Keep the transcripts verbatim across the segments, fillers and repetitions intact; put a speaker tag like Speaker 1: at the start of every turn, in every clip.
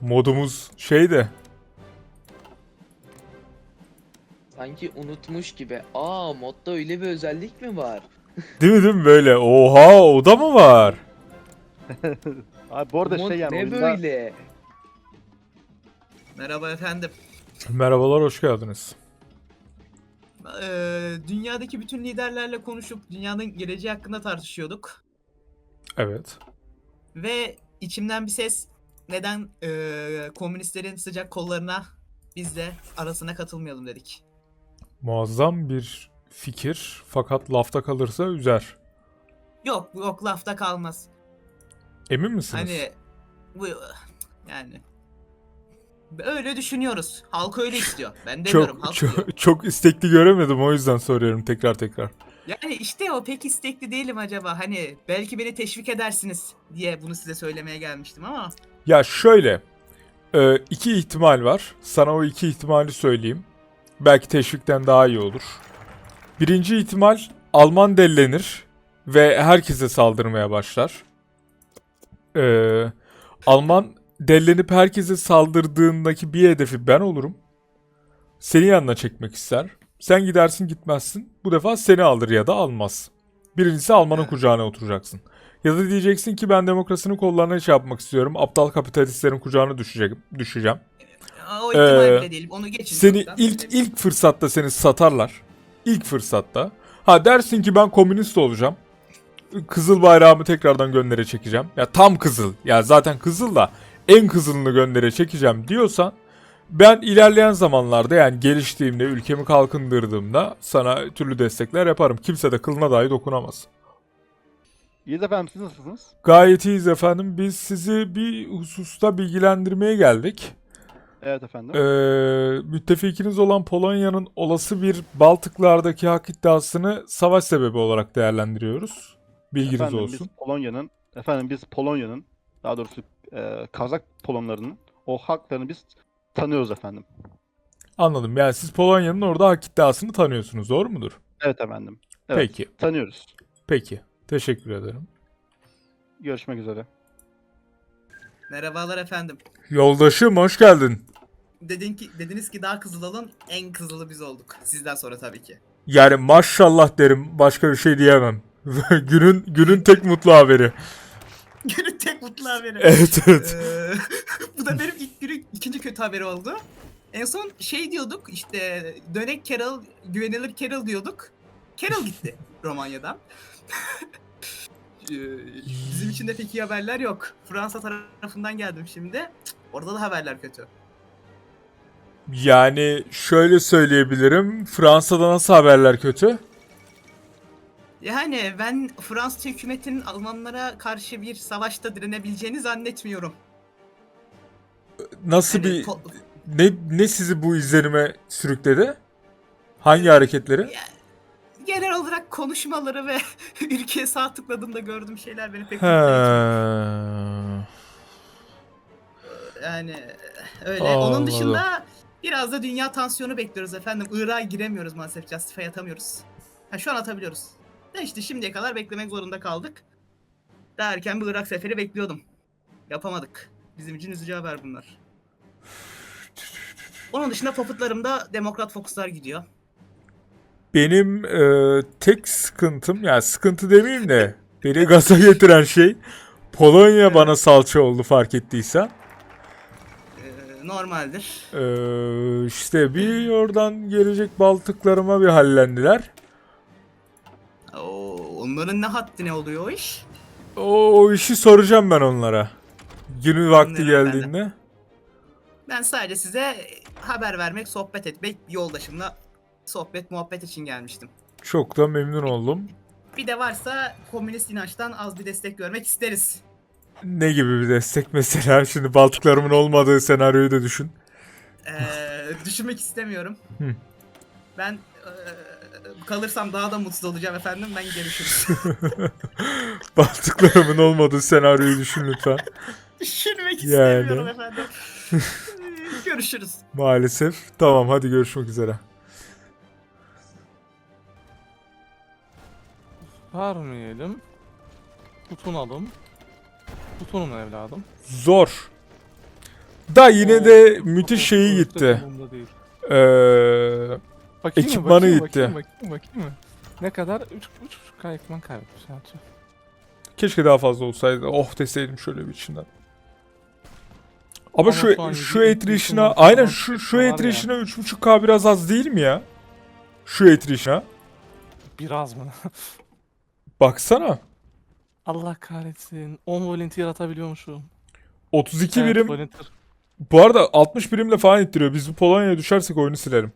Speaker 1: modumuz şey de.
Speaker 2: Sanki unutmuş gibi. Aa, modda öyle bir özellik mi var?
Speaker 1: Değil mi değil mi böyle? Oha, o da mı var?
Speaker 3: Abi bu arada
Speaker 2: Mod
Speaker 3: şey yani
Speaker 2: ne
Speaker 3: oyunda
Speaker 2: böyle?
Speaker 4: Merhaba efendim.
Speaker 1: Merhabalar, hoş geldiniz.
Speaker 4: Ee, dünyadaki bütün liderlerle konuşup dünyanın geleceği hakkında tartışıyorduk.
Speaker 1: Evet.
Speaker 4: Ve içimden bir ses neden ee, komünistlerin sıcak kollarına biz de arasına katılmayalım dedik.
Speaker 1: Muazzam bir fikir fakat lafta kalırsa üzer.
Speaker 4: Yok yok lafta kalmaz.
Speaker 1: Emin misiniz?
Speaker 4: Hani bu yani öyle düşünüyoruz. Halk öyle istiyor. Ben demiyorum,
Speaker 1: çok
Speaker 4: halk diyor.
Speaker 1: çok, çok istekli göremedim, o yüzden soruyorum tekrar tekrar.
Speaker 4: Yani işte o pek istekli değilim acaba. Hani belki beni teşvik edersiniz diye bunu size söylemeye gelmiştim ama
Speaker 1: Ya şöyle, e, iki ihtimal var. Sana o iki ihtimali söyleyeyim. Belki teşvikten daha iyi olur. Birinci ihtimal, Alman dellenir ve herkese saldırmaya başlar. Ee, Alman dellenip herkese saldırdığındaki bir hedefi ben olurum. Seni yanına çekmek ister. Sen gidersin gitmezsin. Bu defa seni alır ya da almaz. Birincisi, Alman'ın
Speaker 4: Evet.
Speaker 1: kucağına oturacaksın. Ya da diyeceksin ki ben demokrasinin kollarına şey yapmak istiyorum. Aptal kapitalistlerin kucağına düşecek, düşeceğim.
Speaker 4: o ihtimal
Speaker 1: Ee,
Speaker 4: bile değil. Onu geçin.
Speaker 1: Seni
Speaker 4: çoktan
Speaker 1: ilk
Speaker 4: söyledim.
Speaker 1: ilk fırsatta seni satarlar. İlk fırsatta. Ha, dersin ki ben komünist olacağım. Kızıl bayrağımı tekrardan göndere çekeceğim. Ya tam kızıl. Ya zaten kızıl da en kızılını göndere çekeceğim diyorsan, ben ilerleyen zamanlarda, yani geliştiğimde, ülkemi kalkındırdığımda sana türlü destekler yaparım. Kimse de kılına dahi dokunamaz.
Speaker 3: İyiyiz efendim, siz nasılsınız?
Speaker 1: Gayet iyiyiz efendim. Biz sizi bir hususta bilgilendirmeye geldik.
Speaker 3: Evet efendim.
Speaker 1: Ee, müttefikiniz olan Polonya'nın olası bir Baltıklardaki hak iddiasını savaş sebebi olarak değerlendiriyoruz. Bilginiz
Speaker 3: efendim
Speaker 1: olsun.
Speaker 3: biz Polonya'nın efendim biz Polonya'nın daha doğrusu e, Kazak Polonlarının o haklarını biz tanıyoruz efendim.
Speaker 1: Anladım. Yani siz Polonya'nın orada hak iddiasını tanıyorsunuz, doğru mudur?
Speaker 3: Evet efendim. Evet.
Speaker 1: Peki.
Speaker 3: Tanıyoruz.
Speaker 1: Peki. Teşekkür ederim.
Speaker 3: Görüşmek üzere.
Speaker 4: Merhabalar efendim.
Speaker 1: Yoldaşım, hoş geldin.
Speaker 4: Dedin ki dediniz ki daha kızıl olun. En kızılı biz olduk. Sizden sonra tabii ki.
Speaker 1: Yani maşallah derim. Başka bir şey diyemem. günün günün tek mutlu haberi.
Speaker 4: Günün tek mutlu haberi.
Speaker 1: Evet evet.
Speaker 4: Ee, bu da benim ilk günün ikinci kötü haberi oldu. En son şey diyorduk işte dönek Carol, güvenilir Carol diyorduk. Carol gitti Romanya'dan. Ee, Bizim için de pek iyi haberler yok. Fransa tarafından geldim şimdi. Cık, orada da haberler kötü.
Speaker 1: Yani şöyle söyleyebilirim. Fransa'da nasıl haberler kötü?
Speaker 4: Yani ben Fransız hükümetinin Almanlara karşı bir savaşta direnebileceğini zannetmiyorum.
Speaker 1: Nasıl
Speaker 4: Hani
Speaker 1: bir
Speaker 4: ko-
Speaker 1: ne ne sizi bu izlenime sürükledi? Hangi hareketleri?
Speaker 4: genel olarak konuşmaları ve ülkeye sağ tıkladığımda gördüğüm şeyler beni pek
Speaker 1: He.
Speaker 4: mutlu etmiyor. Yani öyle. Onun
Speaker 1: Anladım.
Speaker 4: dışında biraz da dünya tansiyonu bekliyoruz efendim. Irak'a giremiyoruz maalesef. Justify atamıyoruz. Ha, şu an atabiliyoruz. De işte şimdiye kadar beklemek zorunda kaldık. Daha erken bir Irak seferi bekliyordum. Yapamadık. Bizim için üzücü haber bunlar. Onun dışında poputlarımda Demokrat Fokuslar gidiyor.
Speaker 1: Benim e, tek sıkıntım, yani sıkıntı demeyeyim de beni gaza getiren şey, Polonya bana salça oldu, fark ettiysen.
Speaker 4: Ee, normaldir.
Speaker 1: E, işte bir oradan gelecek Baltıklarıma bir hallendiler.
Speaker 4: Oo, onların ne haddine oluyor o iş?
Speaker 1: O, o işi soracağım ben onlara. Günü vakti
Speaker 4: Anlıyorum ben de.
Speaker 1: geldiğinde.
Speaker 4: Ben sadece size haber vermek, sohbet etmek, yoldaşımla sohbet muhabbet için gelmiştim.
Speaker 1: Çok da memnun oldum.
Speaker 4: Bir de varsa komünist inançtan az bir destek görmek isteriz.
Speaker 1: Ne gibi bir destek mesela? Şimdi Baltıklarımın olmadığı senaryoyu da düşün.
Speaker 4: Ee, düşünmek istemiyorum.
Speaker 1: Hı.
Speaker 4: Ben ee, kalırsam daha da mutsuz olacağım efendim. Ben görüşürüz.
Speaker 1: Baltıklarımın olmadığı senaryoyu düşün lütfen.
Speaker 4: Düşünmek
Speaker 1: Yani.
Speaker 4: istemiyorum efendim. Ee, görüşürüz.
Speaker 1: Maalesef. Tamam, hadi görüşmek üzere.
Speaker 5: Vermeyelim. Tutunalım. Tutunun evladım.
Speaker 1: Zor. Da yine de müthiş
Speaker 5: O-
Speaker 1: şeyi
Speaker 5: o-
Speaker 1: gitti.
Speaker 5: umurumda değil.
Speaker 1: Ee,
Speaker 5: Bakayım mı?
Speaker 1: Ekipmanı
Speaker 5: Bakayım,
Speaker 1: gitti.
Speaker 5: Bakayım, bakayım, bakayım mı? Ne kadar? üç buçuk K ekipman kaybetmiş. Sadece.
Speaker 1: keşke daha fazla olsaydı. Oh deseydim şöyle bir içinden. Ama,
Speaker 5: Ama
Speaker 1: şu
Speaker 5: şu an
Speaker 1: şu
Speaker 5: yedi-
Speaker 1: etrişine
Speaker 5: yedi-
Speaker 1: aynen
Speaker 5: yedi-
Speaker 1: şu
Speaker 5: yedi-
Speaker 1: şu
Speaker 5: var ya.
Speaker 1: etrişine üç buçuk K biraz az değil mi ya? Şu etrişine.
Speaker 5: Biraz mı?
Speaker 1: Baksana.
Speaker 5: Allah kahretsin. on volunteer atabiliyormuşum.
Speaker 1: otuz iki
Speaker 5: Evet,
Speaker 1: birim.
Speaker 5: volunteer.
Speaker 1: Bu arada altmış birimle falan ittiriyor. Biz bu Polonya'ya düşersek oyunu silerim.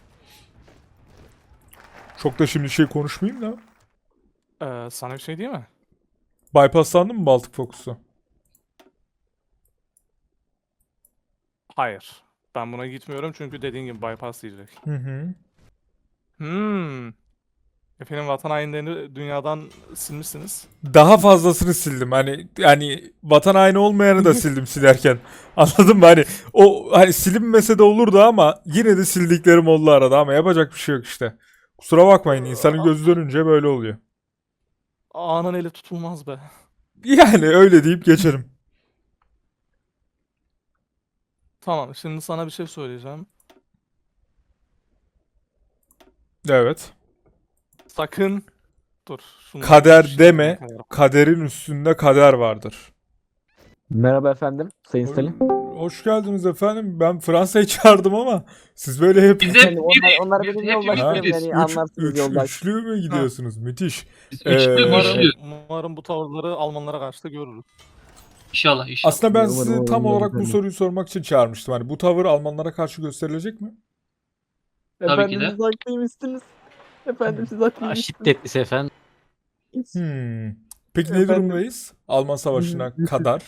Speaker 1: Çok da şimdi şey konuşmayayım da.
Speaker 5: Ee, sana bir şey değil mi?
Speaker 1: Bypasslandı mı Baltık Focus'u?
Speaker 5: Hayır. Ben buna gitmiyorum çünkü dediğin gibi bypass diyecek.
Speaker 1: Hı hı.
Speaker 5: Hmm. Efendim vatan hainlerini dünyadan silmişsiniz.
Speaker 1: Daha fazlasını sildim. Hani yani vatan haini olmayanı da sildim silerken. Anladın mı? Hani o hani silinmese de olurdu ama yine de sildiklerim oldu arada ama yapacak bir şey yok işte. Kusura bakmayın insanın gözü dönünce böyle oluyor.
Speaker 5: Ağanın eli tutulmaz be.
Speaker 1: Yani öyle deyip geçerim.
Speaker 5: Tamam, şimdi sana bir şey söyleyeceğim.
Speaker 1: Evet.
Speaker 5: Sakın dur. şunu
Speaker 1: Kader
Speaker 5: bir şey
Speaker 1: deme.
Speaker 5: yapmaya karar-
Speaker 1: Kaderin üstünde kader vardır.
Speaker 6: Merhaba efendim, Sayın Salim.
Speaker 1: Hoş geldiniz efendim. Ben Fransa'yı çağırdım ama siz böyle hep
Speaker 7: Biz hep
Speaker 6: Efendim, onlar,
Speaker 7: biriz.
Speaker 6: onlar
Speaker 7: Biz
Speaker 6: benim
Speaker 7: hepimiz
Speaker 6: yoldaşlarım
Speaker 7: biriz.
Speaker 6: yani
Speaker 1: üç,
Speaker 6: anlarsınız
Speaker 1: üç,
Speaker 6: yoldaş.
Speaker 1: üçlü mü gidiyorsunuz? Müthiş.
Speaker 7: Biz
Speaker 1: Ee,
Speaker 7: üçlü
Speaker 5: Umarım,
Speaker 7: üçlü.
Speaker 5: umarım bu tavırları Almanlara karşı da görürüz.
Speaker 7: İnşallah inşallah.
Speaker 1: Aslında ben
Speaker 6: Umarım,
Speaker 1: sizi
Speaker 6: umarım,
Speaker 1: tam
Speaker 6: umarım
Speaker 1: olarak bu
Speaker 6: efendim.
Speaker 1: soruyu sormak için çağırmıştım. Hani bu tavır Almanlara karşı gösterilecek mi?
Speaker 7: Tabii
Speaker 6: Efendim
Speaker 7: ki de.
Speaker 6: siz haklıymışsınız. Efendim siz haklıymışsınız.
Speaker 8: Şiddetlisi efendim.
Speaker 1: Hmm. Peki ne
Speaker 6: Efendim?
Speaker 1: durumdayız? Alman Savaşı'na kadar.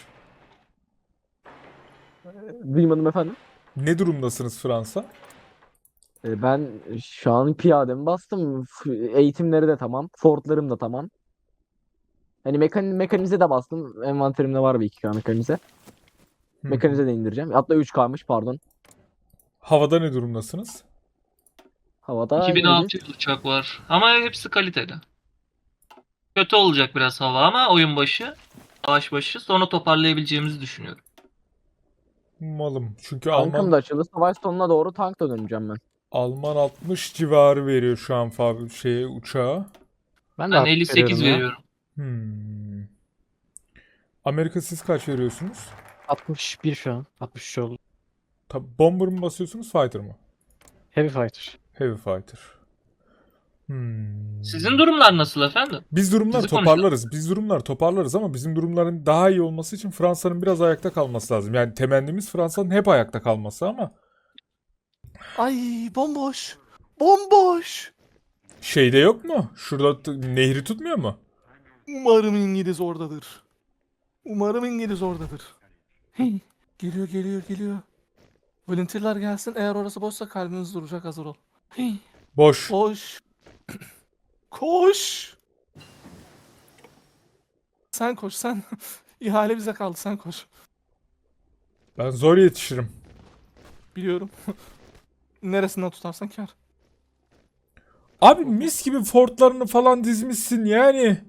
Speaker 6: Duymadım efendim.
Speaker 1: Ne durumdasınız Fransa?
Speaker 6: Ee, Ben şu an piyademi bastım. F- Eğitimleri de tamam. Fordlarım da tamam. Hani mekan mekanize de bastım. Envanterimde var bir iki K mekanize.
Speaker 1: Hı.
Speaker 6: Mekanize de indireceğim. Hatta üç K'mış pardon.
Speaker 1: Havada ne durumdasınız?
Speaker 6: Havada
Speaker 7: iki bin
Speaker 6: iyiyiz.
Speaker 7: altı yüz uçak var. Ama hepsi kaliteli. Kötü olacak biraz hava ama oyun başı, savaş başı sonra toparlayabileceğimizi düşünüyorum.
Speaker 1: Malım. Çünkü
Speaker 6: Tankım
Speaker 1: Alman
Speaker 6: da açıldı. Savaş sonuna doğru tank da döneceğim ben.
Speaker 1: Alman altmış civarı veriyor şu an fabri şeye uçağa.
Speaker 8: Ben de
Speaker 7: Ben
Speaker 8: hak
Speaker 7: elli sekiz
Speaker 8: veriyorum ya.
Speaker 7: veriyorum.
Speaker 1: Hmm. Amerika siz kaç veriyorsunuz?
Speaker 8: altmış bir şu an. altmış üç oldu.
Speaker 1: Tabi bomber mı basıyorsunuz, fighter mı?
Speaker 8: Heavy fighter.
Speaker 1: Heavy fighter. Hmm.
Speaker 7: Sizin durumlar nasıl efendim?
Speaker 1: Biz durumlar
Speaker 7: Sizi
Speaker 1: toparlarız. Biz durumlar toparlarız ama bizim durumların daha iyi olması için Fransa'nın biraz ayakta kalması lazım. Yani temennimiz Fransa'nın hep ayakta kalması ama
Speaker 5: Ay bomboş. Bomboş.
Speaker 1: şeyde yok mu? Şurada t- nehri tutmuyor mu?
Speaker 5: Umarım İngiliz oradadır. Umarım İngiliz oradadır. Hey, geliyor geliyor geliyor. Volunteer'lar gelsin. Eğer orası boşsa kalbiniz duracak, hazır ol. Hey,
Speaker 1: Boş.
Speaker 5: koş. Koş. Sen koş sen. İhale bize kaldı, sen koş.
Speaker 1: Ben zor yetişirim.
Speaker 5: Biliyorum. Neresinden tutarsan kar.
Speaker 1: Abi mis gibi fortlarını falan dizmişsin yani.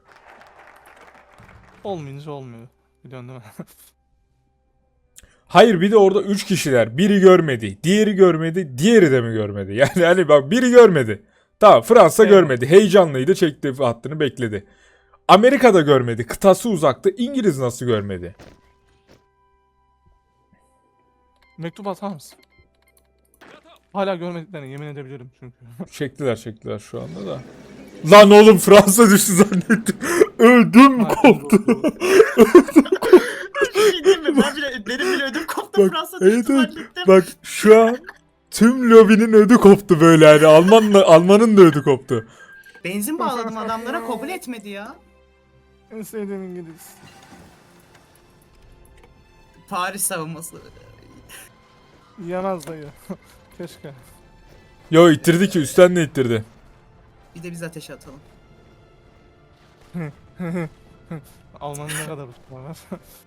Speaker 5: Olmayınca olmuyor. Biliyorsun değil mi?
Speaker 1: Hayır bir de orada üç kişiler. Biri görmedi, diğeri görmedi, diğeri de mi görmedi? Yani hani bak biri görmedi. Tamam Fransa
Speaker 5: Evet.
Speaker 1: görmedi. Heyecanlıydı, çekti hattını bekledi. Amerika da görmedi. Kıtası uzaktı. İngiliz nasıl görmedi?
Speaker 5: Mektup atar mısın? Hala görmediklerini yemin edebilirim çünkü.
Speaker 1: Çektiler çektiler şu anda da. Lan oğlum Fransa düştü zannettim. Ödüm koptu.
Speaker 4: Bir şey diyeyim mi? Ben bile, benim bile ödüm koptu.
Speaker 1: Bak,
Speaker 4: Fransa
Speaker 1: evet,
Speaker 4: düştü
Speaker 1: evet.
Speaker 4: zannettim.
Speaker 1: Bak şu an tüm lobinin ödü koptu böyle yani. Almanla, Almanın da ödü koptu.
Speaker 4: Benzin bağladım adamlara, kabul etmedi ya.
Speaker 5: En sevdiğim İngiliz.
Speaker 4: Paris savunması.
Speaker 5: Yemez dayı. Keşke.
Speaker 1: Yo ittirdi ki üstten de ittirdi.
Speaker 4: Bir de biz ateşe atalım.
Speaker 5: Alman'ın ne kadar uçma var.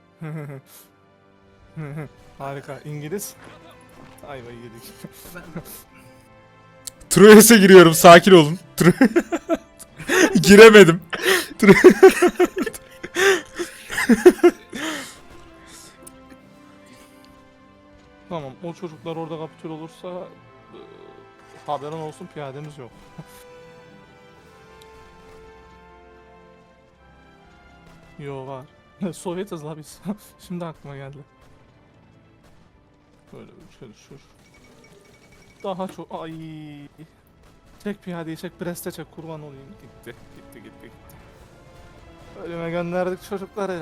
Speaker 5: Harika. İngiliz. Ayvayı yedik.
Speaker 4: Ben...
Speaker 1: Troyes'e giriyorum sakin olun. Tro- Giremedim. Tro-
Speaker 5: o çocuklar orada kapitül olursa e, haberin olsun piyademiz yok. Yo var. Sovyetiz la biz. Şimdi aklıma geldi. Böyle bir şey düşür. Daha çok ay. Çek piyadeyi çek, Brest'e çek, kurban olayım. Gitti, gitti, gitti, gitti. Ölüme gönderdik çocukları.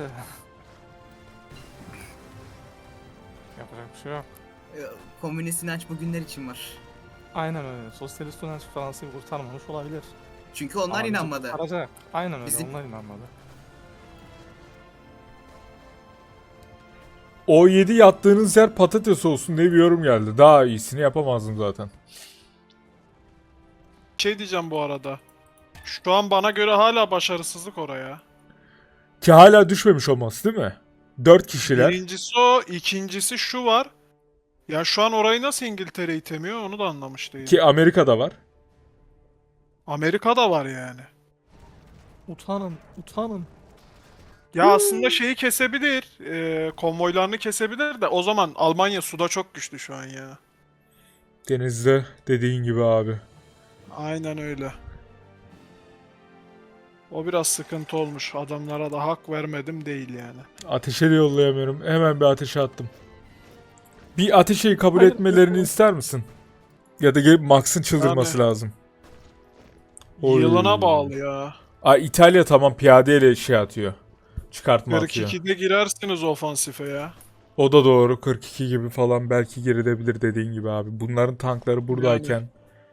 Speaker 5: Yapacak bir şey yok.
Speaker 4: Ee, Komünist inanç bugünler için var.
Speaker 5: Aynen öyle. Sosyalist inanç Fransa'yı kurtarmamış olabilir.
Speaker 4: Çünkü onlar
Speaker 5: Ama bizi
Speaker 4: inanmadı.
Speaker 5: kurtaracak. Aynen öyle,
Speaker 4: Bizim-
Speaker 5: onlar inanmadı.
Speaker 1: O yedi yattığınız yer patates olsun diye bir yorum geldi. Daha iyisini yapamazdım zaten.
Speaker 9: Şey diyeceğim bu arada. Şu an bana göre hala başarısızlık oraya.
Speaker 1: Ki hala düşmemiş olması değil mi? Dört kişiler.
Speaker 9: Birincisi o, ikincisi şu var. Ya şu an orayı nasıl İngiltere itemiyor onu da anlamış değilim.
Speaker 1: Ki Amerika'da var.
Speaker 9: Amerika'da var yani.
Speaker 5: Utanın, utanın.
Speaker 9: Ya aslında şeyi kesebilir. E, konvoylarını kesebilir de o zaman Almanya suda çok güçlü şu an ya.
Speaker 1: Denizde dediğin gibi abi.
Speaker 9: Aynen öyle. O biraz sıkıntı olmuş. Adamlara da hak vermedim değil yani.
Speaker 1: Ateşe de yollayamıyorum. Hemen bir ateşe attım. Bir ateşeyi kabul
Speaker 5: Hayır,
Speaker 1: etmelerini
Speaker 5: yok.
Speaker 1: ister misin? Ya da gelip Max'ın çıldırması
Speaker 9: Yani-
Speaker 1: lazım. Oy.
Speaker 9: Yılına bağlı ya.
Speaker 1: Aa, İtalya tamam piyadeyle şey atıyor. Çıkartma
Speaker 9: kırk
Speaker 1: atıyor.
Speaker 9: ikide girersiniz ofansife ya.
Speaker 1: O da doğru. kırk iki gibi falan belki gerilebilir dediğin gibi abi. Bunların tankları buradayken.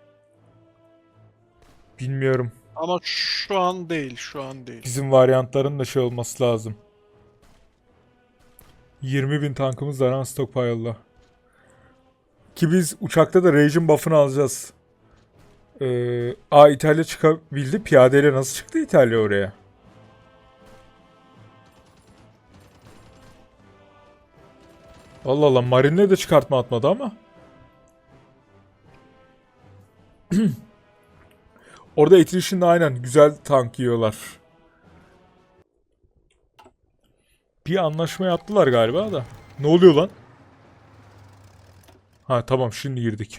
Speaker 1: Bilmiyorum.
Speaker 9: Ama şu an değil, şu an değil.
Speaker 1: Bizim varyantların da şey olması lazım. yirmi bin tankımız var ha stockpile'da. Ki biz uçakta da Raging buff'ını alacağız. Ee, aa İtalya çıkabildi. Piyadeyle nasıl çıktı İtalya oraya? Allah Allah, Marine'le de çıkartma atmadı ama. Orada Attrition'da aynen güzel tank yiyorlar. Bir anlaşma yaptılar galiba da. Ne oluyor lan? Ha tamam, şimdi girdik.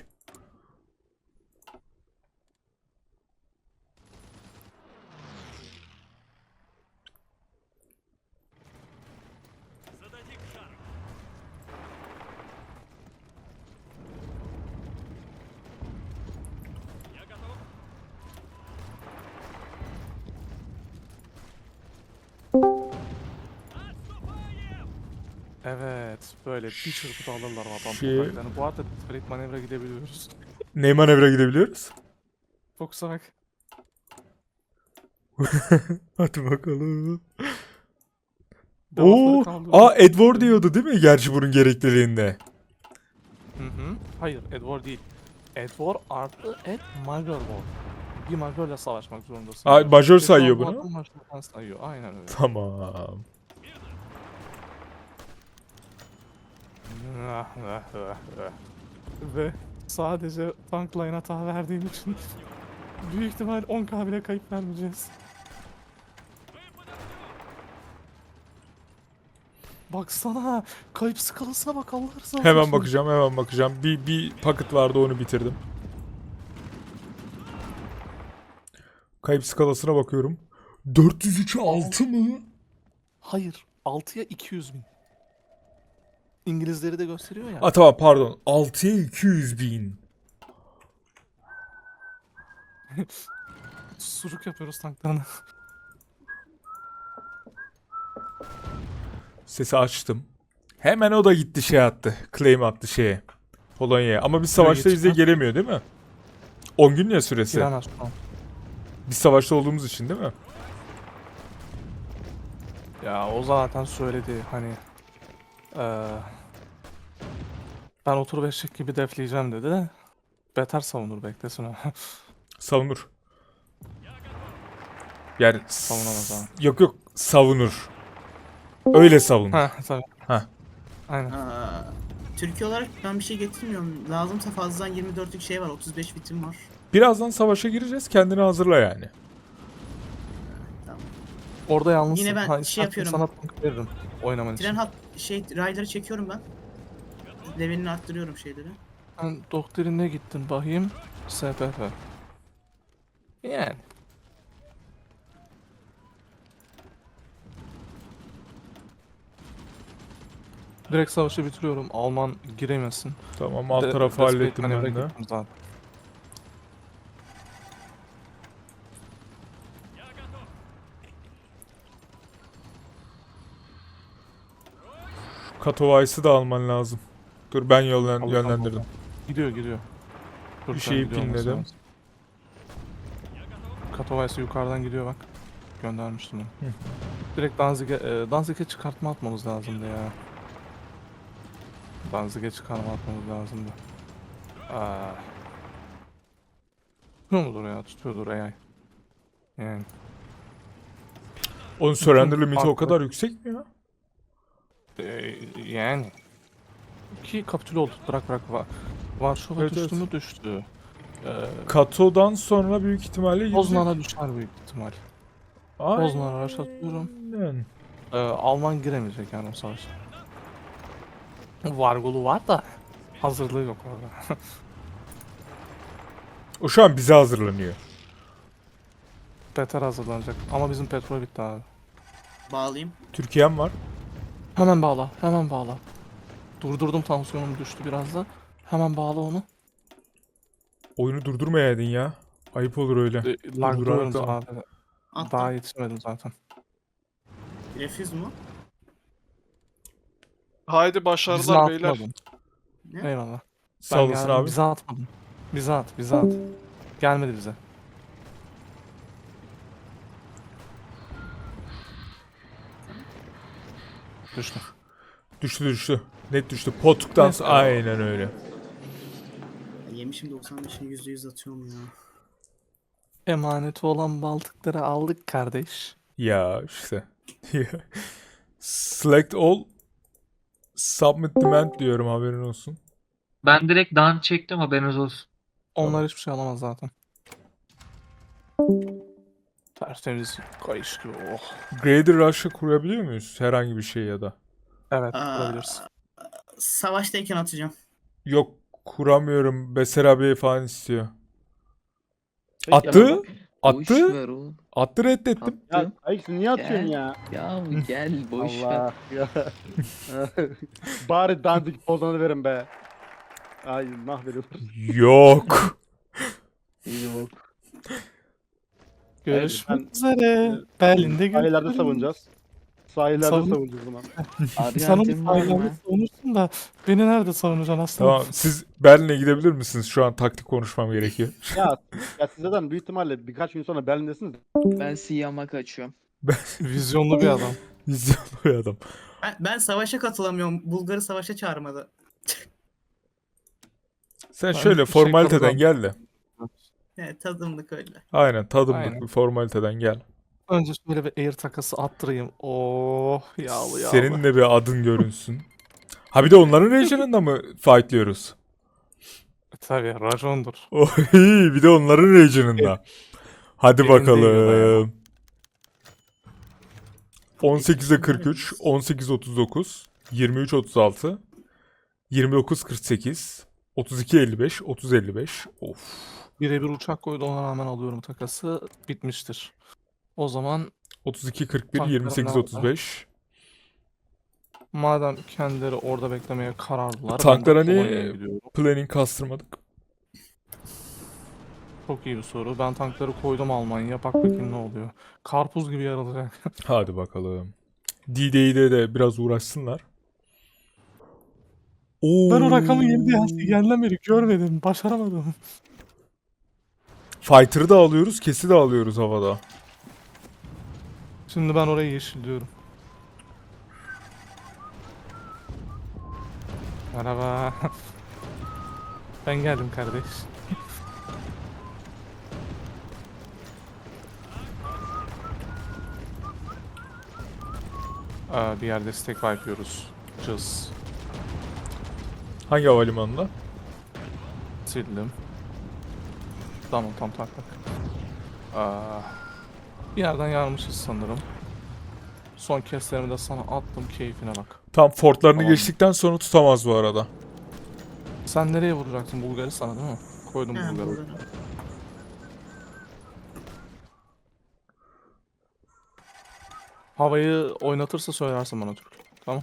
Speaker 5: Evet, böyle bir çırpıda alırlar adam
Speaker 1: Şey-
Speaker 5: topraklarını. Bu arada trade manevra gidebiliyoruz.
Speaker 1: Ne manevra gidebiliyoruz?
Speaker 5: Çok salak.
Speaker 1: Hadi bakalım.
Speaker 5: Devastaları
Speaker 1: Oo,
Speaker 5: kaldırıyoruz.
Speaker 1: aa Edward diyordu değil mi gerçi bunun gerekliliğinde?
Speaker 5: Hı hı. Hayır, Edward değil. Edward artı Ed Major War. Bir Major'la savaşmak zorundasın.
Speaker 1: Aa, Major
Speaker 5: Edward
Speaker 1: sayıyor
Speaker 5: bu
Speaker 1: bunu.
Speaker 5: adamı Major'dan sayıyor. Aynen öyle.
Speaker 1: Tamam.
Speaker 5: Ve sadece tank line hata verdiğim için büyük ihtimal on K bile kayıp vermeyeceğiz. Baksana, kayıp skalasına bak Allah rızası
Speaker 1: Hemen
Speaker 5: için.
Speaker 1: bakacağım, hemen bakacağım. Bir bir paket vardı, onu bitirdim. Kayıp skalasına bakıyorum. dört yüz üçe altı mı?
Speaker 5: Hayır, altıya iki yüz bin. İngilizleri de gösteriyor ya.
Speaker 1: Aa tamam, pardon. altıya iki yüz bin.
Speaker 5: Sucuk yapıyoruz tanklarına.
Speaker 1: Sesi açtım. Hemen o da gitti şey attı. Claim attı şeye. Polonya'ya. Ama biz savaşta bize
Speaker 5: geçti.
Speaker 1: gelemiyor değil mi? on gün ya süresi.
Speaker 5: Giren Aslan.
Speaker 1: Biz savaşta olduğumuz için değil mi?
Speaker 5: Ya o zaten söyledi hani eee ben otur beşlik gibi defleyeceğim dedi de beter savunur beklesin o.
Speaker 1: Savunur. Yani
Speaker 5: Savunamaz abi.
Speaker 1: Yok yok, savunur. Öyle savun.
Speaker 5: Ha tabii.
Speaker 1: Heh.
Speaker 5: Aynen.
Speaker 4: Aa, Türkiye olarak ben bir şey getirmiyorum. Lazımsa fazladan yirmi dörtlük şey var. otuz beş bitim var.
Speaker 1: Birazdan savaşa gireceğiz. Kendini hazırla yani.
Speaker 4: Tamam.
Speaker 5: Orada yalnız
Speaker 4: Yine ben şey yapıyorum.
Speaker 5: Sana tank veririm oynaman için.
Speaker 4: Tren hat şey rayları çekiyorum ben. levelini arttırıyorum şeyleri.
Speaker 5: Ben doktrine gittim bakayım. S P F. Yani. Direkt savaşı bitiriyorum. Alman giremesin.
Speaker 1: Tamam, alt
Speaker 5: De-
Speaker 1: tarafı
Speaker 5: desperate
Speaker 1: hallettim
Speaker 5: manevra
Speaker 1: ben de.
Speaker 5: gittim zaten.
Speaker 1: Katowice'ı da alman lazım. Dur ben yollan
Speaker 5: Aldım,
Speaker 1: yönlendirdim.
Speaker 5: Gidiyor gidiyor. Dur,
Speaker 1: Bir
Speaker 5: sen
Speaker 1: şeyi
Speaker 5: gidiyor olması
Speaker 1: pinledim.
Speaker 5: lazım. Katowice yukarıdan gidiyor bak. Göndermiştim onu.
Speaker 1: Hı.
Speaker 5: Direkt Danzig'e e, Danzig'e çıkartma atmamız lazımdı ya. Danzig'e çıkarma atmamız lazımdı. Aa. Tutuyor mudur ya? Tutuyordur A I. Yani.
Speaker 1: Onun surrender
Speaker 5: Bütün
Speaker 1: limiti o
Speaker 5: farklı-
Speaker 1: kadar yüksek mi ya?
Speaker 5: e, yani. Ki kapitüle oldu. Bırak bırak. Va Varşova
Speaker 1: Evet,
Speaker 5: düştü
Speaker 1: evet.
Speaker 5: mü düştü. Ee,
Speaker 1: Kato'dan sonra büyük ihtimalle gidecek.
Speaker 5: Poznan'a düşer büyük ihtimal. Poznan'a rush atıyorum.
Speaker 1: Aynen.
Speaker 5: Ee, Alman giremeyecek yani o savaşa. Vargolu var da hazırlığı yok orada.
Speaker 1: O şu an bize hazırlanıyor.
Speaker 5: Beter hazırlanacak ama bizim petrol bitti abi.
Speaker 4: Bağlayayım.
Speaker 1: Türkiye'm var.
Speaker 5: Hemen bağla, hemen bağla. Durdurdum, tansiyonum düştü biraz da. Hemen bağla onu.
Speaker 1: Oyunu durdurmayaydın ya. Ayıp olur öyle.
Speaker 5: E, Lag'da
Speaker 1: Durdurarak
Speaker 5: oyun
Speaker 1: da-
Speaker 5: abi.
Speaker 4: Attım.
Speaker 5: Daha yetişmedim zaten.
Speaker 4: Refüz mu?
Speaker 9: Haydi
Speaker 5: Bize
Speaker 9: başarılar beyler.
Speaker 5: atmadın.
Speaker 4: Ne?
Speaker 5: Eyvallah.
Speaker 1: Sağ olasın
Speaker 5: geldim,
Speaker 1: abi.
Speaker 5: Bize atmadın. Bize at, bize at. Gelmedi bize. Düştü.
Speaker 1: Düştü düştü. Net düştü. Potuk'tan
Speaker 5: Neyse.
Speaker 1: sonra aynen öyle.
Speaker 4: Yemişim doksan beşini yüzde yüz atıyorum ya.
Speaker 5: Emaneti olan Baltıkları aldık kardeş.
Speaker 1: Ya işte. Select all. Submit demand diyorum, haberin olsun.
Speaker 7: Ben direkt dan çektim, haberiniz olsun.
Speaker 5: Onlar hiçbir şey alamaz zaten. Tertemiz kayış gibi. Oh.
Speaker 1: Grader Rush'ı kurabiliyor muyuz? Herhangi bir şey ya da.
Speaker 5: Evet,
Speaker 4: Aa,
Speaker 5: kurabilirsin.
Speaker 4: Savaştayken atacağım.
Speaker 1: Yok, kuramıyorum. Beser abi falan istiyor. Attı.
Speaker 2: Boş
Speaker 1: Attı.
Speaker 2: ver oğlum.
Speaker 1: Attı, reddettim.
Speaker 2: Attı.
Speaker 3: Ya Ayıksın niye atıyorsun
Speaker 2: Gel.
Speaker 3: ya?
Speaker 2: Ya gel boş ver.
Speaker 3: Allah ya. Bari dandik pozanı verin be. Ay mahvediyorsun.
Speaker 1: Yok.
Speaker 2: Yok.
Speaker 5: Görüşmek
Speaker 3: ben-
Speaker 5: üzere. Berlin'de
Speaker 3: Sahillerde
Speaker 5: görüşürüz.
Speaker 3: savunacağız. Sahillerde
Speaker 5: Savun-
Speaker 3: savunacağız o zaman.
Speaker 5: Sen onu
Speaker 2: Arjantin var
Speaker 5: sahillerde
Speaker 2: mı?
Speaker 5: savunursun da beni nerede savunacaksın aslanım?
Speaker 1: Tamam, siz Berlin'e gidebilir misiniz? Şu an taktik konuşmam gerekiyor.
Speaker 3: Ya, ya siz zaten büyük ihtimalle birkaç gün sonra Berlin'desiniz.
Speaker 2: Ben Siyam'a kaçıyorum.
Speaker 5: Vizyonlu bir adam.
Speaker 1: Vizyonlu bir adam.
Speaker 4: Ben, ben savaşa katılamıyorum. Bulgar'ı savaşa çağırmadı.
Speaker 1: Sen
Speaker 5: Ben
Speaker 1: şöyle
Speaker 5: bir şey
Speaker 1: formaliteden
Speaker 5: yapamam.
Speaker 1: gel de.
Speaker 4: Evet tadımlık öyle.
Speaker 1: Aynen, tadımlık
Speaker 5: Aynen.
Speaker 1: bir formaliteden gel.
Speaker 5: Önce şöyle bir air takası attırayım. Oh yağlı yağlı.
Speaker 1: Senin de bir adın görünsün. Ha bir de onların region'ında mı fightlıyoruz?
Speaker 5: Tabii racondur.
Speaker 1: Oy, bir de onların region'ında. Hadi
Speaker 5: Elinde
Speaker 1: bakalım.
Speaker 5: yiyorlar
Speaker 1: on sekize kırk üç, on sekiz otuz dokuz, yirmi üç otuz altı, yirmi dokuz kırk sekiz, otuz iki elli beş, otuz elli beş. Of.
Speaker 5: Birebir uçak koydu, ona rağmen alıyorum takası. Bitmiştir. O zaman
Speaker 1: otuz iki kırk bir,
Speaker 5: Tanklarım
Speaker 1: yirmi sekiz otuz beş.
Speaker 5: madem kendileri orada beklemeye kararlılar.
Speaker 1: Tanklara
Speaker 5: ben de
Speaker 1: niye
Speaker 5: Polonya'ya gidiyorum.
Speaker 1: planning kastırmadık?
Speaker 5: Çok iyi bir soru. Ben tankları koydum Almanya'ya. Bak bakayım ne oluyor. Karpuz gibi yarılacak.
Speaker 1: Hadi bakalım. D-Day'de de biraz uğraşsınlar. Oo.
Speaker 5: Ben o rakamı yedi geldiğinden beri görmedim. Başaramadım.
Speaker 1: Fighter'ı da alıyoruz, kesi de alıyoruz havada.
Speaker 5: Şimdi ben orayı yeşilliyorum. Merhaba. Ben geldim kardeş. Aa, bir yerde stack wipe yapıyoruz. Cız.
Speaker 1: Hangi havalimanında?
Speaker 5: Sildim. Tamam tam tak tak. Aa, bir yerden yarmışız sanırım. Son keslerimi de sana attım, keyfine bak.
Speaker 1: Tam fortlarını
Speaker 5: Tamam.
Speaker 1: geçtikten sonra tutamaz bu arada.
Speaker 5: Sen nereye vuracaksın? Bulgaristan'a değil mi? Koydum
Speaker 4: Ha,
Speaker 5: Bulgar'ı.
Speaker 4: burada.
Speaker 5: Havayı oynatırsa söylersin bana Türk. Tamam.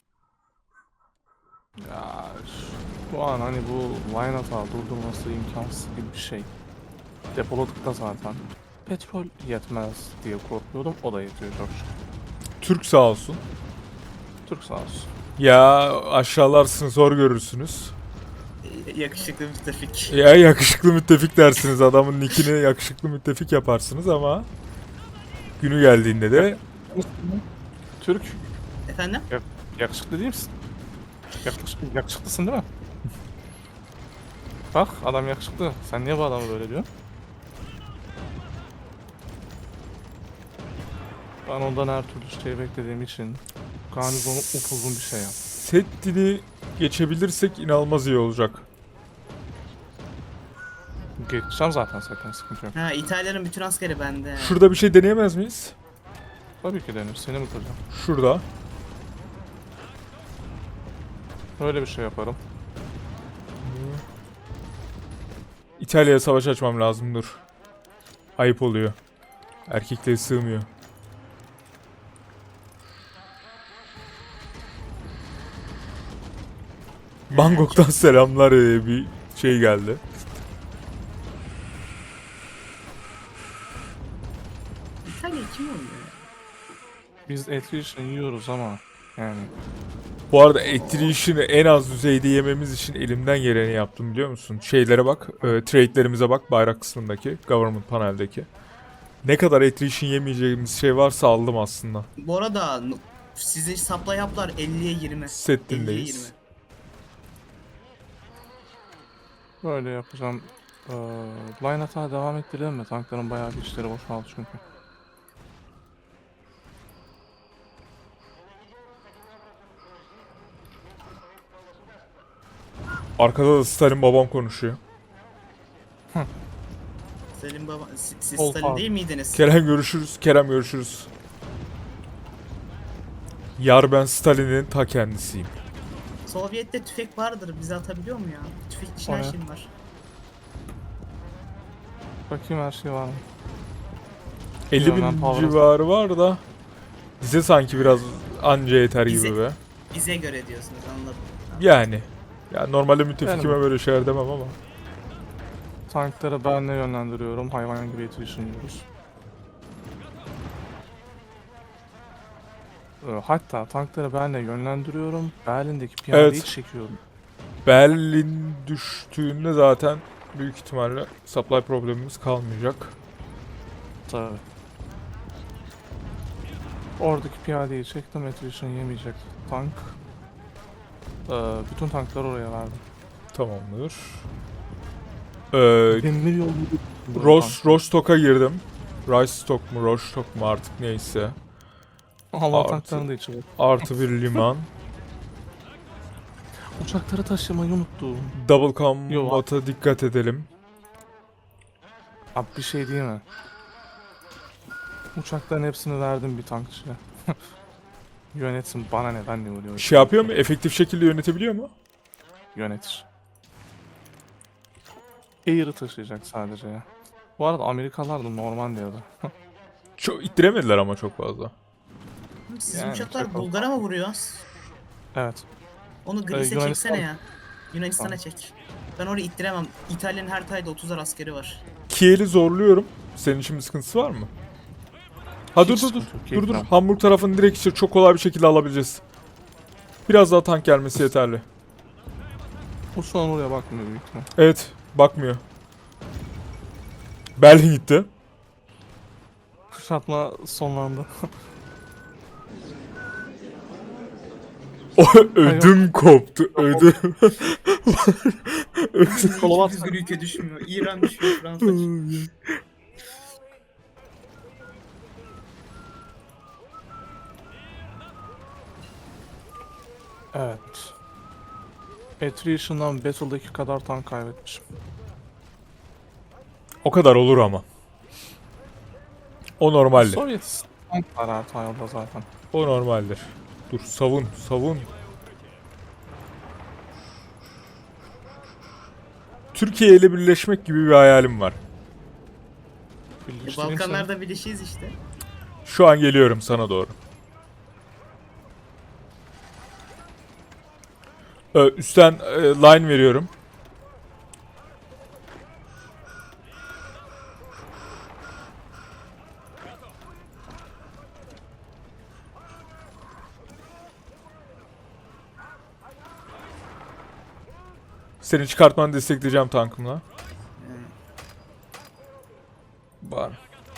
Speaker 5: Ya şu an hani bu line hata durdurması imkansız gibi bir şey. Depoladık da zaten. Petrol yetmez diye korkuyordum. O da yetiyor çok şükür.
Speaker 1: Türk sağ olsun.
Speaker 5: Türk sağ olsun.
Speaker 1: Ya aşağılarsınız, zor görürsünüz.
Speaker 4: Yakışıklı müttefik.
Speaker 1: Ya yakışıklı müttefik dersiniz. Adamın nickini yakışıklı müttefik yaparsınız ama günü geldiğinde de
Speaker 5: Türk.
Speaker 4: Efendim?
Speaker 5: Yakışıklı değil misin? Yakışıklı, yakışıklısın değil mi? Bak adam yakışıklı. Sen niye bu adamı böyle diyorsun? Ben ondan her türlü şey beklediğim için garnizonu upuzun bir şey yap.
Speaker 1: set dili geçebilirsek inanılmaz iyi olacak.
Speaker 5: Geçeceğim zaten zaten sıkıntı yok.
Speaker 4: Ha, İtalya'nın bütün askeri bende.
Speaker 1: Şurada bir şey deneyemez miyiz?
Speaker 5: Tabii ki denir. Seni mi kıracağım?
Speaker 1: Şurada.
Speaker 5: Öyle bir şey yaparım.
Speaker 1: İtalya'ya savaş açmam lazım, dur. Ayıp oluyor. Erkekliğe sığmıyor. Bangkok'tan selamlar diye bir şey geldi.
Speaker 4: İtalya kim oynuyor?
Speaker 5: Biz attrition yiyoruz ama yani
Speaker 1: Bu arada attrition'ı en az düzeyde yememiz için elimden geleni yaptım, biliyor musun? Şeylere bak, e, trade'lerimize bak, bayrak kısmındaki, government paneldeki. Ne kadar attrition yemeyeceğimiz şey varsa aldım aslında.
Speaker 4: Bu arada n- sizin supply haplar elliye yirmi.
Speaker 1: Set
Speaker 4: elliye
Speaker 1: dinleyiz.
Speaker 4: yirmi.
Speaker 5: böyle yapacağım. Ee, line hata devam ettirelim mi? Tankların bayağı bir işleri boşaldı çünkü.
Speaker 1: Arkada da Stalin babam konuşuyor.
Speaker 4: Selim baba, siz, siz
Speaker 5: Ol
Speaker 4: Stalin
Speaker 5: abi.
Speaker 4: değil miydiniz?
Speaker 1: Kerem görüşürüz, Kerem görüşürüz. Yar ben Stalin'in ta kendisiyim.
Speaker 4: Sovyet'te tüfek vardır. Bize atabiliyor mu ya? Tüfek için her
Speaker 5: O ne?
Speaker 4: şeyim var.
Speaker 5: Bakayım her şey var mı?
Speaker 1: elli bin
Speaker 5: ben power'a-
Speaker 1: civarı var da bize sanki biraz anca yeter gibi
Speaker 4: Bize-
Speaker 1: be.
Speaker 4: Bize göre diyorsunuz, anladım.
Speaker 1: Yani. Ya normalde müttefikime
Speaker 5: Yani-
Speaker 1: böyle şeyler demem ama.
Speaker 5: Tankları ben ne yönlendiriyorum? Hayvan gibi attrition yiyoruz. Ee, Hatta tankları ben de yönlendiriyorum. Berlin'deki piyadeyi
Speaker 1: Evet.
Speaker 5: çekiyorum.
Speaker 1: Berlin düştüğünde zaten büyük ihtimalle supply problemimiz kalmayacak.
Speaker 5: Tabii. Oradaki piyadeyi çektim. Attrition yemeyecek tank. Ee, bütün tankları oraya verdim.
Speaker 1: Tamamdır. Ee,
Speaker 5: Demir yolu
Speaker 1: Ros Rostock'a girdim. Rostock mu Rostock mu artık neyse.
Speaker 5: Allah
Speaker 1: Artı-
Speaker 5: tanklarını da içi var.
Speaker 1: Artı bir liman.
Speaker 5: Uçakları taşımayı unuttum.
Speaker 1: Double combat'a dikkat edelim.
Speaker 5: Abi bir şey değil mi? Uçakların hepsini verdim bir tankçıya. Yönetsin, bana ne, ben ne oluyor?
Speaker 1: Şey yapıyor mu? Efektif şekilde yönetebiliyor mu?
Speaker 5: Yönetir. Air'ı taşıyacak sadece ya. Bu arada Amerikalılar da normal diyordu.
Speaker 1: Çok ittiremediler ama çok fazla.
Speaker 4: Sizin
Speaker 5: Yani
Speaker 4: uçaklar
Speaker 5: çok-
Speaker 4: Bulgar'a mı vuruyor?
Speaker 5: Evet.
Speaker 4: Onu Greece'e
Speaker 5: Yunanistan-
Speaker 4: çeksene ya. Yunanistan'a
Speaker 5: Tamam.
Speaker 4: çek. Ben orayı ittiremem. İtalya'nın her tayda otuzar askeri var.
Speaker 1: Kiel'i zorluyorum. Senin için bir sıkıntısı var mı? Ha dur
Speaker 5: Hiç
Speaker 1: dur dur.
Speaker 5: sıkıntı yok,
Speaker 1: Dur dur.
Speaker 5: keyiflen.
Speaker 1: Hamburg tarafını direkt işte çok kolay bir şekilde alabileceğiz. Biraz daha tank gelmesi yeterli.
Speaker 5: O şu an oraya bakmıyor büyük ihtimal.
Speaker 1: Evet. Bakmıyor. Berlin gitti.
Speaker 5: Kuşatma sonlandı.
Speaker 1: O ödüm koptu. Ödüm.
Speaker 5: Kolavat-
Speaker 4: Hiçbir ülke düşmüyor. İran düşüyor, Fransa düşüyor.
Speaker 5: Evet. Attrition'dan Battle'daki kadar tank kaybetmişim.
Speaker 1: O kadar olur ama. O normaldir.
Speaker 5: Sovyet tank var her tayda zaten.
Speaker 1: O normaldir. Dur savun savun. Türkiye ile birleşmek gibi bir hayalim var.
Speaker 4: E,
Speaker 5: Birleştireyim seni.
Speaker 4: Balkanlarda birleşiyiz işte.
Speaker 1: Şu an geliyorum sana doğru. Ee, üstten e, line veriyorum. Seni çıkartmanı destekleyeceğim tankımla. Var.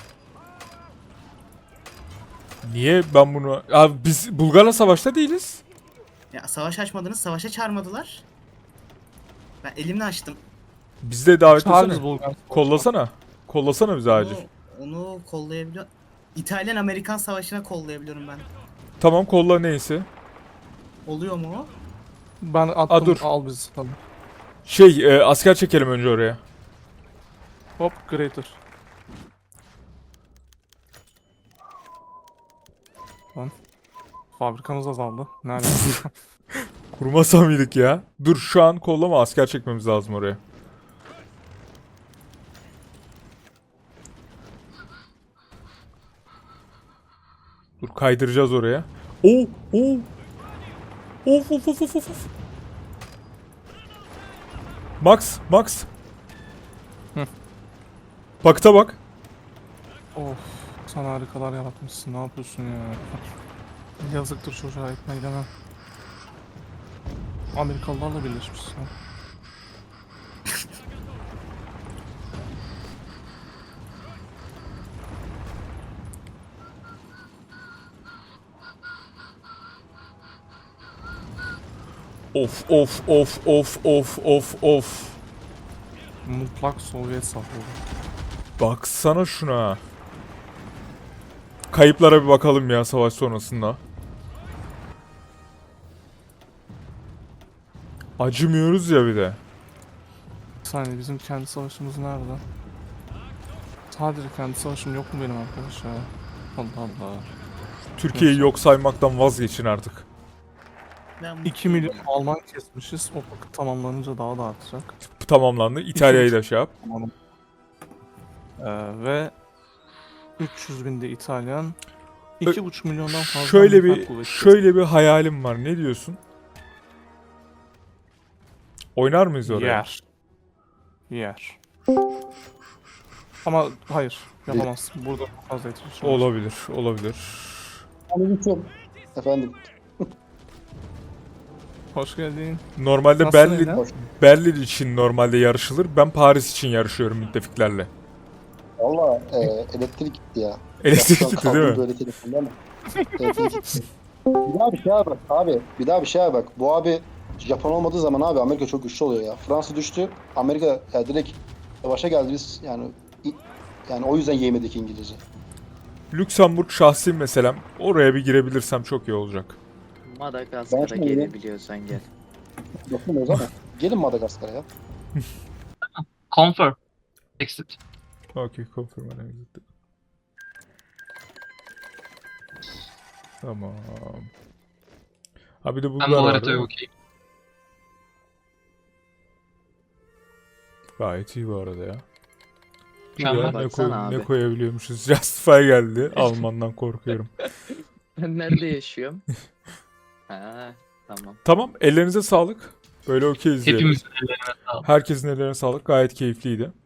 Speaker 1: Niye ben bunu... Abi biz Bulgar'la savaşta değiliz.
Speaker 4: Ya savaş açmadınız, savaşa çağırmadılar. Ben elimle açtım.
Speaker 1: Biz de davet
Speaker 5: Çağırırız
Speaker 1: etsene.
Speaker 5: Bulgar.
Speaker 1: Kollasana. Kollasana bizi acil.
Speaker 4: Onu, onu kollayabiliyor. İtalyan-Amerikan savaşına kollayabiliyorum ben.
Speaker 1: Tamam kolla neyse.
Speaker 4: Oluyor mu o?
Speaker 5: Ben attım.
Speaker 1: Aa, dur.
Speaker 5: Al bizi. Tamam.
Speaker 1: Şey e, asker çekelim önce oraya.
Speaker 5: Hop greater. Lan. Fabrikamız azaldı. Nerede?
Speaker 1: Kurmasa mıydık ya? Dur şu an kollama, asker çekmemiz lazım oraya. Dur kaydıracağız oraya. Oo, oo. Of of of of of. of. Max, Max.
Speaker 5: Hı.
Speaker 1: Bakta bak.
Speaker 5: Of. Sen harikalar yaratmışsın. Ne yapıyorsun ya? Yazıktır çocuğa, etmeyi demem. Amerikalılarla birleşmişsin.
Speaker 1: Of of of of of of of.
Speaker 5: Mutlak Sovyet saflığı.
Speaker 1: Baksana şuna. Kayıplara bir bakalım ya savaş sonrasında. Acımıyoruz ya bir de.
Speaker 5: Bir saniye, bizim kendi savaşımız nerede? Sadece kendi savaşım yok mu benim arkadaş ya? Allah Allah.
Speaker 1: Türkiye'yi yok saymaktan vazgeçin artık.
Speaker 4: Ben
Speaker 5: iki milyon Alman kesmişiz. O vakit tamamlanınca daha da artacak.
Speaker 1: Tamamlandı. İtalya'yı da şey yap.
Speaker 5: Tamam. Ee, ve üç yüz binde İtalyan. iki buçuk milyondan fazla
Speaker 1: Şöyle
Speaker 5: Amerikan
Speaker 1: bir
Speaker 5: kuvveti.
Speaker 1: şöyle bir hayalim var. Ne diyorsun? Oynar mıyız oraya?
Speaker 5: Yer. Yer. Ama hayır. Yapamazsın. Burada çok fazla yetişir.
Speaker 1: Olabilir, olabilir.
Speaker 10: Efendim,
Speaker 5: Hoş geldin.
Speaker 1: Normalde
Speaker 5: Nasılsın
Speaker 1: Berlin
Speaker 5: Ela?
Speaker 1: Berlin için normalde yarışılır. Ben Paris için yarışıyorum müttefiklerle.
Speaker 10: valla e, elektrik gitti ya.
Speaker 1: Elektrik
Speaker 10: Şu an
Speaker 1: gitti
Speaker 10: kaldım
Speaker 1: değil mi?
Speaker 10: Böyle telefonda ama. Elektrik gitti. Bir daha bir şeye bak abi. Bir daha bir şeye bak. Bu abi Japon olmadığı zaman abi Amerika çok güçlü oluyor ya. Fransa düştü. Amerika ya direkt savaşa geldi biz yani i- yani o yüzden yemedik İngilizce.
Speaker 1: Lüksemburg şahsi meselem. Oraya bir girebilirsem çok iyi olacak.
Speaker 10: Ben
Speaker 2: Madagaskar'a
Speaker 10: şimdi-
Speaker 2: gelebiliyorsan gel.
Speaker 10: Bakın o zaman. Gelin Madagaskar'a ya.
Speaker 7: Confirm. Exit.
Speaker 1: Okay, confirm and exit. Tamam. Ha bir de
Speaker 7: Ben
Speaker 1: bunlar
Speaker 7: bu
Speaker 1: var
Speaker 7: haritaya
Speaker 1: değil mi?
Speaker 7: okeyim.
Speaker 1: Gayet iyi bu arada ya.
Speaker 7: Mükemmel.
Speaker 1: Ya, ne, koy,
Speaker 2: Baksana
Speaker 1: ne
Speaker 2: abi.
Speaker 1: koyabiliyormuşuz? Justify geldi. Almandan korkuyorum.
Speaker 2: Ben nerede yaşıyorum? Ha, tamam.
Speaker 1: Tamam, ellerinize sağlık. Böyle okeyiz diyelim.
Speaker 7: Hepimizin ellerine sağlık.
Speaker 1: Herkesin ellerine sağlık. Gayet keyifliydi.